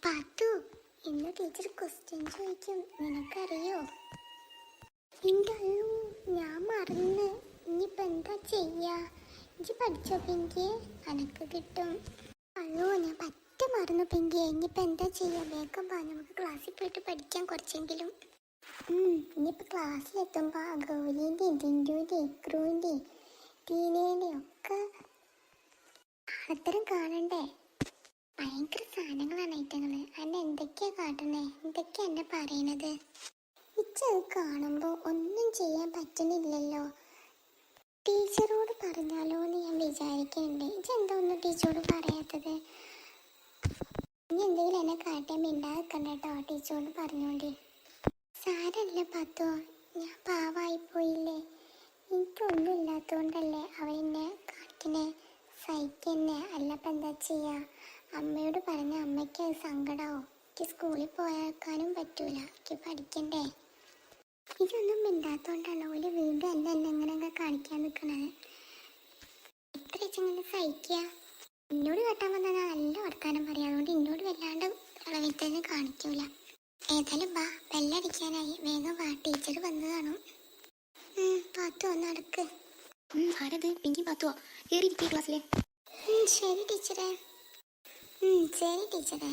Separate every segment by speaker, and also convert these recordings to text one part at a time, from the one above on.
Speaker 1: പാത്തു, ഇന്ന് teacher question ചോദിക്കും, നിനക്കറിയോ? എൻ്റെ അയ്യോ, ഞാൻ മറന്ന്. ഇനിയിപ്പോൾ എന്താ ചെയ്യാ? ഇജ്ജ് പഠിച്ചോ പിങ്കി? അനക്ക് കിട്ടും. അയ്യോ, ഞാൻ പറ്റ മറന്നു പിങ്കി. ഇനിയിപ്പോൾ എന്താ ചെയ്യാ? വേഗം വാ, നമുക്ക് ക്ലാസ്സിൽ പോയിട്ട് പഠിക്കാം കുറച്ചെങ്കിലും. ഇനിയിപ്പോൾ ക്ലാസ്സിലെത്തുമ്പോൾ ഗൗരീൻ്റെയും ടിൻറ്റുവിൻ്റെയും ഇക്രുവിൻ്റെയും ടീനേൻ്റെയും ഒക്കെ അത്തരം കാണണ്ടേ? ഭയങ്കര സാധനങ്ങളാണ് ഐറ്റങ്ങള്. അന്നെ എന്തൊക്കെയാ കാട്ടണേ? എന്തൊക്കെയാ എന്നെ പറയണത്? ഇച്ചത് കാണുമ്പോൾ ഒന്നും ചെയ്യാൻ പറ്റുന്നില്ലല്ലോ. ടീച്ചറോട് പറഞ്ഞാലോ എന്ന് ഞാൻ വിചാരിക്കുന്നുണ്ട്. ഇച്ചെന്താ ഒന്നും ടീച്ചറോട് പറയാത്തത്? ഇനി എന്തെങ്കിലും എന്നെ കാട്ടിയാൽ മിണ്ടാതിക്കണ്ട കേട്ടോ, ടീച്ചറോട് പറഞ്ഞോണ്ടി. സാരല്ല പാത്തോ, ഞാൻ പാവായിപ്പോയില്ലേ. എനിക്കൊന്നും ഇല്ലാത്തതുകൊണ്ടല്ലേ അവരെന്നെ കാണിക്കണേ, സഹിക്കന്നെ. അല്ലപ്പം എന്താ ചെയ്യുക? അമ്മയോട് പറഞ്ഞ അമ്മയ്ക്ക് അത് സങ്കടമാവും. എനിക്ക് സ്കൂളിൽ പോയേക്കാനും പറ്റൂല, എനിക്ക് പഠിക്കണ്ടേ. ഇതൊന്നും മിണ്ടാത്തോണ്ടാണ് ഓല് വീണ്ടും എന്നെ എങ്ങനെയൊക്കെ കാണിക്കാൻ നിൽക്കണത്. എത്ര വെച്ചെങ്ങനെ സഹിക്കുക? എന്നോട് കേട്ടാൻ വന്നാൽ നല്ല വർത്താനം പറയാം. അതുകൊണ്ട് എന്നോട് വല്ലാണ്ട് ഇളവിത്തന്നെ കാണിക്കൂല. ഏതായാലും വാ, ബെല്ലടിക്കാനായി. വേഗം വാ, ടീച്ചർ വന്ന് കാണും. പാത്തോ, നടക്ക്.
Speaker 2: ആരത്? പിങ്കി പാത്തുവോ? കയറിയിരിക്കേ ക്ലാസ്സിലെ.
Speaker 1: ശരി ടീച്ചറെ. ശരി ടീച്ചറെ.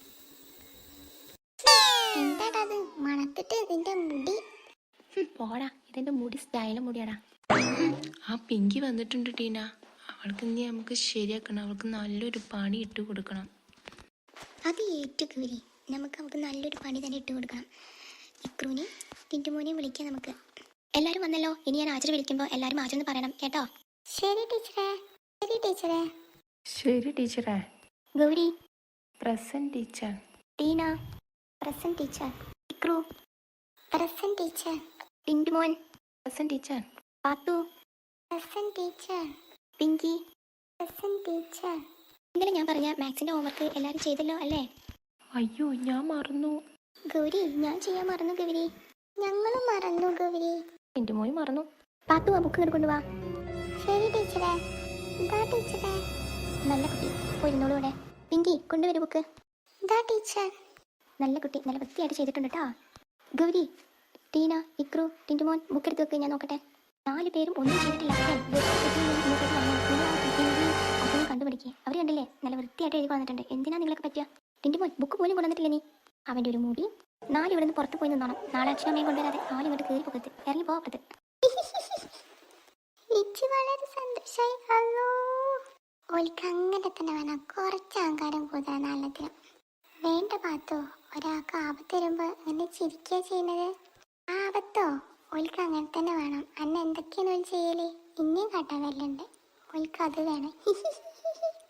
Speaker 1: എന്താടാ മണത്തിട്ട് ഇതിന്റെ മുടി?
Speaker 2: പോടാ, ഇതെന്റെ മുടി സ്റ്റൈലും മുടിയാടാ.
Speaker 3: ആ പിങ്കി വന്നിട്ടുണ്ട് ടീന. അവൾക്ക് ഇനി നമുക്ക് ശരിയാക്കണം. അവൾക്ക് നല്ലൊരു പണി ഇട്ട് കൊടുക്കണം.
Speaker 1: അത് ഏറ്റുകൂരി നമുക്ക് അവൾക്ക് നല്ലൊരു പണി തന്നെ ഇട്ട് കൊടുക്കണം. ഇക്രൂനെയും ടിൻറ്റുമോനെയും വിളിക്കാം നമുക്ക്.
Speaker 2: എല്ലാവരും വന്നല്ലോ. ഇനി ഞാൻ ആചാര്യ വിളിക്കുമ്പോൾ എല്ലാവരും ആചാര്യ പറയണം കേട്ടോ.
Speaker 1: ശരി ടീച്ചറെ. ശരി ടീച്ചറെ.
Speaker 3: ശരി ടീച്ചറേ.
Speaker 2: Gauri
Speaker 3: present teacher.
Speaker 2: Teena
Speaker 1: present teacher.
Speaker 2: Ikru
Speaker 1: present teacher.
Speaker 2: Tintumon
Speaker 3: present teacher.
Speaker 2: Pathu
Speaker 1: present teacher.
Speaker 2: Pinky
Speaker 1: present teacher.
Speaker 2: ഇന്നലെ ഞാൻ പറഞ്ഞ മാത്സിന്റെ ഹോംവർക്ക് എല്ലാവരും ചെയ്തല്ലോ അല്ലേ?
Speaker 3: അയ്യോ, ഞാൻ മറന്നു.
Speaker 1: ഗൗരി, ഞാൻ ചെയ്യാൻ മറന്നു ഗൗരി. ഞങ്ങളും മറന്നു ഗൗരി.
Speaker 3: ടിൻറ്റുമോൻ മറന്നു.
Speaker 2: പാത്തു, ആ ബുക്ക് കൊണ്ടുപോവാ.
Speaker 1: ശരി ടീച്ചറെ. എന്താ ടീച്ചറെ?
Speaker 2: നല്ല കുട്ടി, പോയിരുന്നോളൂ ഇവിടെ. പിങ്കി, കൊണ്ടുവരും ബുക്ക്.
Speaker 1: എന്താ ടീച്ചർ?
Speaker 2: നല്ല കുട്ടി, നല്ല വൃത്തിയായിട്ട് ചെയ്തിട്ടുണ്ട് കേട്ടോ. ഗൗരി, ടീന, ഇക്രു, ടിൻറ്റുമോൻ ബുക്ക് എടുത്ത് വെക്ക്, ഞാൻ നോക്കട്ടെ. 4 പേരും ഒന്നും ചെയ്തിട്ടില്ല. അതൊന്നും കണ്ടുപിടിക്കുക. അവർ കണ്ടില്ലേ, നല്ല വൃത്തിയായിട്ട് എഴുതി വന്നിട്ടുണ്ട്. എന്തിനാ നിങ്ങളൊക്കെ പറ്റുക? ടിൻറ്റുമോൻ ബുക്ക് പോലും കൊണ്ടുവന്നിട്ടില്ല നീ. അവൻ്റെ ഒരു മുടി. 4 ഇവിടെ നിന്ന് പുറത്ത് പോയി നിന്നോണം. നാളെ അച്ഛനമ്മയും കൊണ്ടുവരാതെ ആരും ഇങ്ങോട്ട് കയറി പോകരുത്. ഇറങ്ങി പോകരുത്.
Speaker 1: ഇച്ച് വളരെ സന്തോഷമായി. ഹലോ, ഓൾക്ക് അങ്ങനെ തന്നെ വേണം. കുറച്ച് അഹങ്കാരം കൂടുതൽ നല്ലതിനും. വേണ്ട പാത്തോ, ഒരാൾക്ക് ആപത്ത് വരുമ്പോൾ അങ്ങനെ ചിരിക്കുക ചെയ്യുന്നത്. ആപത്തോ? ഓൾക്ക് അങ്ങനെ തന്നെ വേണം. അന്ന് എന്തൊക്കെയാണ് ഓൾ ചെയ്യല്? ഇനിയും കാട്ടാൻ വല്ലുണ്ട്. ഓൾക്ക് അത് വേണം.